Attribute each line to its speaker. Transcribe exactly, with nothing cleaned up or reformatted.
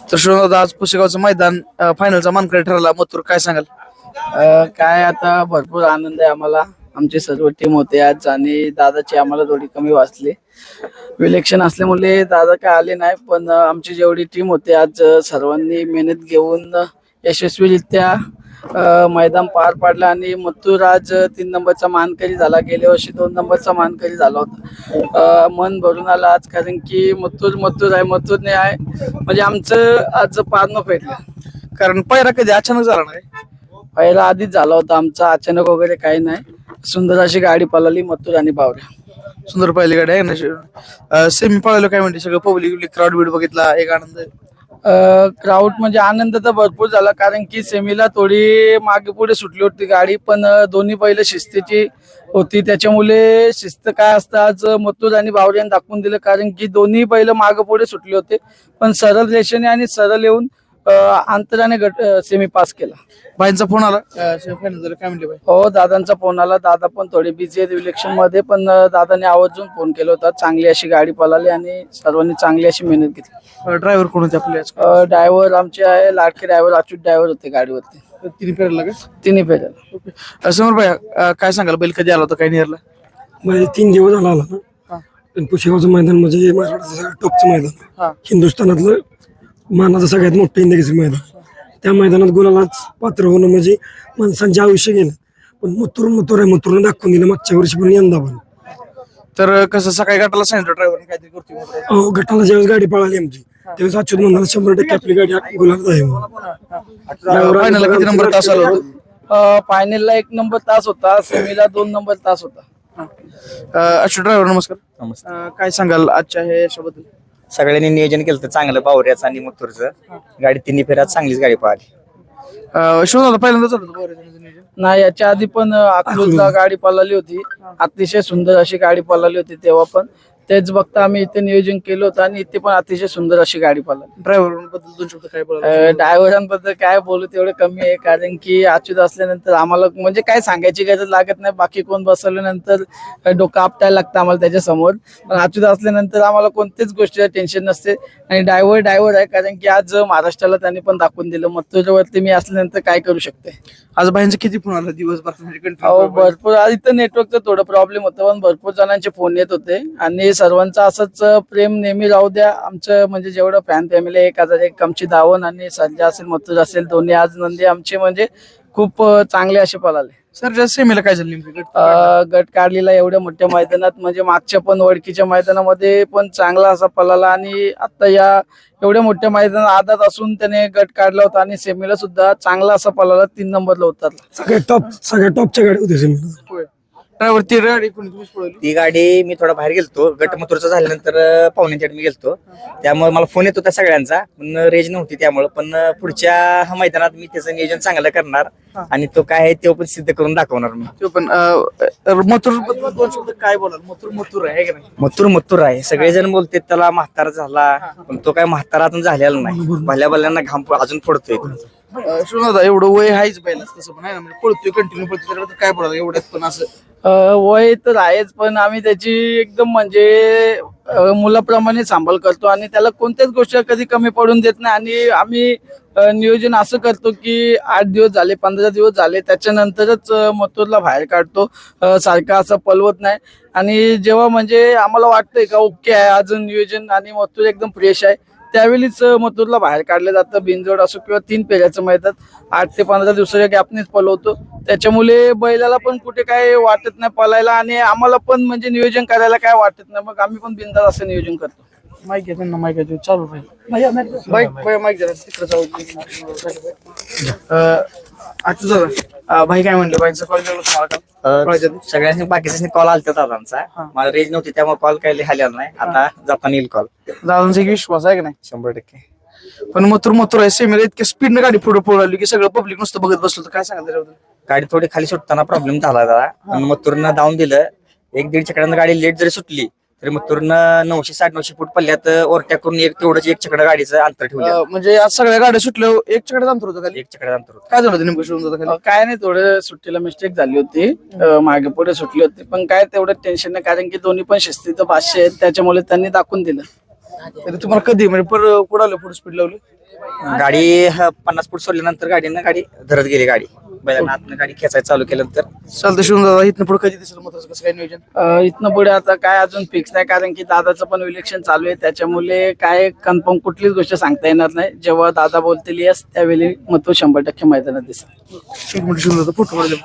Speaker 1: तर शोधा आज पुसेगावचं मैदान फायनलचा मानकरी ठरला. मथुर काय सांगाल?
Speaker 2: अ, काय आता भरपूर आनंद आहे आम्हाला. आमची सर्व टीम होते आज आणि दादाची आम्हाला थोडी कमी वाचली. विलेक्शन असल्यामुळे दादा काय आले नाही, पण अ, आमची जेवढी टीम होती आज अ, सर्वांनी मेहनत घेऊन अ, यशस्वीरित्या अ, मैदान पार पाडलं आणि मथुर आज अ, तीन नंबरचा मानकरी झाला. गेल्या वर्षी दोन नंबरचा मानकरी झाला होता. अ, मन भरून आलं आज, कारण की मथुर मथुर आहे, मथुरने आहे म्हणजे आमचं आज पारणं फेडलं.
Speaker 1: कारण पहिला कधी अचानक झाला नाही.
Speaker 2: पहिला आधीच झाला होता आमचा, अचानक वगैरे काही नाही. सुंदर अशी गाडी पळाली मथुर आणि बावऱ्या.
Speaker 1: सुंदर पहिली गाडी आहे ना. सेमी पळालो काय म्हणते सगळं पब्लिक क्राऊड बीड बघितला एक आनंद.
Speaker 2: क्राऊड म्हणजे आनंद तर भरपूर झाला, कारण की सेमीला थोडी मागे पुढे सुटली होती गाडी, पण अ, दोन्ही पहिलं शिस्तीची होती. त्याच्यामुळे शिस्त काय असतं आज मथुर आणि बावऱ्याने दाखवून दिलं, कारण की दोन्ही पहिलं मागे पुढे सुटले होते, पण सरळ रेषेने आणि सरळ येऊन अ, अंतराने गट सेमी पास केला.
Speaker 1: बाईंचा फोन आला फायनल झालं काय म्हणले बाई?
Speaker 2: हो, दादांचा फोन आला. दादा पण थोडे बिझी आहेत इलेक्शन मध्ये, पण अ, दादाने आवर्जून फोन केला होता. चांगली अशी गाडी पळाली आणि सर्वांनी चांगली अशी मेहनत घेतली.
Speaker 1: ड्रायव्हर कोण होते आपले?
Speaker 2: ड्रायव्हर आमचे आहे लाडके ड्रायव्हर अच्युत ड्रायव्हर होते गाडीवरती.
Speaker 1: तिने फेरला का?
Speaker 2: तिन्ही फेऱ्याला.
Speaker 1: समोर बाई काय सांगाल? बैल कधी आला होता काय निरला?
Speaker 3: म्हणजे तीन दिवस झाला आला ना. पण पुशेगावचं मैदान म्हणजे महाराष्ट्राचं सगळ्यात टॉपचं मैदान, हिंदुस्थानातलं मानाचं सगळ्यात मोठं इंडियाचं मैदान. त्या मैदानात गुलालाच पात्र होणं म्हणजे माणसांचे आयुष्य गेलं. पण मथुर मथुर आहे, मथुरने दाखवून दिलं मागच्या वर्षी पण यंदा पण.
Speaker 1: तर कसं सकाळी गटाला सांगितलं ड्रायव्हर काहीतरी करतो.
Speaker 3: अहो, गटाला ज्यावेळेस गाडी पळाली आमची त्यावेळेस अच्युत म्हणाला शंभर टक्के आपली गाडी गुलाबात आहे म्हणून.
Speaker 1: फायनलला किती नंबर तास आला होता?
Speaker 2: फायनलला एक नंबर तास होता, सेमीला दोन नंबर तास होता.
Speaker 1: अच्युत ड्रायव्हर नमस्कार.
Speaker 4: नमस्ते.
Speaker 1: अं, काय सांगाल आजच्या हे यशाबद्दल?
Speaker 4: सगळ्यांनी नियोजन केलं होतं चांगलं बावऱ्याचं आणि मथुरचं. गाडी तिन्ही फेऱ्यात चांगलीच गाडी पळाली.
Speaker 1: शोधाला पहिल्यांदा चालू होतं बरं नियोजन.
Speaker 2: नाही, याच्या आधी पण अकलूजला गाडी पळाली होती. अतिशय सुंदर अशी गाडी पळाली होती तेव्हा पण. तेच बघता आम्ही इथे नियोजन केलं होतं आणि इथे पण अतिशय सुंदर अशी गाडी पळाली.
Speaker 1: ड्रायव्हर बद्दल दोन शब्द काय बोला?
Speaker 2: ड्रायव्हरांबद्दल काय बोलू तेवढं कमी आहे, कारण की अच्युत असल्यानंतर आम्हाला म्हणजे काय सांगायची गरज लागत नाही. बाकी कोण बसवल्यानंतर डोकं आपटायला लागतं आम्हाला त्याच्या समोर, पण अच्युत असल्यानंतर आम्हाला कोणत्याच गोष्टीचं टेन्शन नसते. आणि ड्रायव्हर ड्रायव्हर आहे, कारण की आज महाराष्ट्राला त्यांनी पण दाखवून दिलं मथुरवरती मी असल्यानंतर काय करू शकते.
Speaker 1: आज बाईंचा किती फोन आला दिवसभर?
Speaker 2: हो, भरपूर. आज इथं नेटवर्कचं थोडं प्रॉब्लेम होतं, पण भरपूर जणांचे फोन येत होते आणि सर्वांचं असंच प्रेम नेहमी राहू द्या. आमचं म्हणजे जेवढं फॅन फॅमिली एक हजार एक आमची धावण आणि सर्जा असेल मथुर असेल दोन्ही आज नंदी आमचे म्हणजे खूप चांगले असे पळाले.
Speaker 1: सर सेमीला काय झालं नेमकं?
Speaker 2: अ, गट काढलेला एवढ्या मोठ्या मैदानात, म्हणजे मागच्या पण ओळखीच्या मैदानामध्ये पण चांगला असा पळाला आणि आता या एवढ्या मोठ्या मैदानात आदत असून त्याने गट काढला होता आणि सेमीला सुद्धा चांगला असा पळाला, तीन नंबरला उतरला.
Speaker 3: सगळ्यात टॉप सगळ्यात टॉपच्या गाडी होती सेमीला.
Speaker 1: ड्रायव्हर ती गाडी कोणी तुम्हीच पळवली?
Speaker 4: ती गाडी मी थोडा बाहेर गेलतो, गट मथुरचा झाल्यानंतर अं, पाहुण्यांच्या मी गेलतो. त्यामुळे मला फोन येत होता सगळ्यांचा, पण रेंज नव्हती त्यामुळे. पण अं, पुढच्या मैदानात मी त्याचं नियोजन चांगलं करणार आणि तो काय आहे तो पण सिद्ध करून दाखवणार मी.
Speaker 1: तो पण मथुर बद्दल दोन शब्द काय बोलाल? मथुर मथुर आहे की नाही?
Speaker 4: मथुर मथुर आहे. सगळेजण बोलते त्याला म्हातारा झाला, पण तो काय म्हातारातून झालेला नाही. भल्या भल्यांना घाम अजून फोडतोय.
Speaker 1: शोधा एवढं वय आहेच पहिला तसं पण आहे ना, म्हणजे पळतोय कंटिन्यू पळतोय, त्याच्याबद्दल काय बोलाल एवढ्यात पण असं?
Speaker 2: अ, वय तर आहेच, पण आम्ही त्याची एकदम म्हणजे अ, मुलाप्रमाणे सांभाळ करतो आणि त्याला कोणत्याच गोष्टी कधी कमी पडून देत नाही. आणि आम्ही अ, नियोजन असं करतो की आठ दिवस झाले पंधरा दिवस झाले त्याच्यानंतरच अ, मथुरला बाहेर काढतो. अ, सारखं असं पलवत नाही. आणि जेव्हा म्हणजे आम्हाला वाटतंय का ओके आहे अजून नियोजन आणि मथुर एकदम फ्रेश आहे, त्यावेळीच मथुरला बाहेर काढलं जातं. बिनजोड असो किंवा तीन फेऱ्याचं मैदान आठ ते पंधरा दिवसाच्या गॅपनेच पळवतो. त्याच्यामुळे बैलाला पण कुठे काय वाटत नाही पळायला आणि आम्हाला पण म्हणजे नियोजन करायला काय वाटत नाही. मग आम्ही पण बिनधास्त असं नियोजन करतो.
Speaker 1: माईक घ्या त्यांना, माईक घ्या चालू राहील. बाईक माईक द्या तिकडे जाऊ. अच्युत दादा भाई काय म्हणले? बाईकचा कॉल केला तुम्हाला का?
Speaker 4: अं, सगळ्यांनी बाकीच्या कॉल आलता दादांचा. मला रेंज नव्हती त्यामुळे कॉल काही आलेला नाही. आता जाताना येईल कॉल.
Speaker 1: दादांचा एक विश्वास आहे की नाही?
Speaker 4: शंभर टक्के.
Speaker 1: पण मथुर मथुर आहे सेमीला इतक्या स्पीडनं गाडी पुढे पळवली की सगळं पब्लिक नुसतं बघत बसलं तर काय सांगाल त्याच्याबद्दल?
Speaker 4: गाडी थोडी खाली सुटताना प्रॉब्लेम झाला जरा, पण मथुरनं धावून दिलं. एक दीड चकड्यानं गाडी लेट जरी सुटली तरी मथुरनं नऊशे साठ नऊशे फूट पल्ल्यात ओव्हरटेक करून एक तेवढंच एक चकडं गाडीचं अंतर ठेवलं.
Speaker 1: अं, म्हणजे आज सगळ्या गाड्या सुटल्या एक चकडे अंतर होतं खाली.
Speaker 4: एक चकड्यात अंतर होतं.
Speaker 1: काय झालं होतं नेमकं शोधून होतं
Speaker 2: अ,
Speaker 1: खाली?
Speaker 2: काय नाही, थोडं सुट्टीला मिस्टेक झाली होती. अ, मागे पुढे सुटली होती, पण काय तेवढं टेन्शन नाही, कारण की दोन्ही पण शिस्तीचं भाष्य आहेत त्याच्यामुळे त्यांनी दाखवून दिलं.
Speaker 1: तर तुम्हाला कधी म्हणजे पर कुठं आलं पुढे स्पीड लावलं
Speaker 4: गाडी ह, पन्नास फूट सोडल्यानंतर गाडीनं गाडी धरत गेली गाडी बैलांना आतनं गाडी खेचायला चालू केल्यानंतर
Speaker 1: चालतं शिवून दादा इथनं पुढे कधी दिसेल महत्वाचं कसं काय नियोजन
Speaker 2: अ, इथनं पुढे आता काय अजून फिक्स नाही, कारण की दादाचं पण इलेक्शन चालू आहे, त्याच्यामुळे काय कन्फर्म कुठलीच गोष्ट सांगता येणार नाही. जेव्हा दादा बोलतील यस त्यावेळी मग तो शंभर टक्के मैदानात दिसेल.
Speaker 1: एक मिनिट शिवून दादा फोटो काढले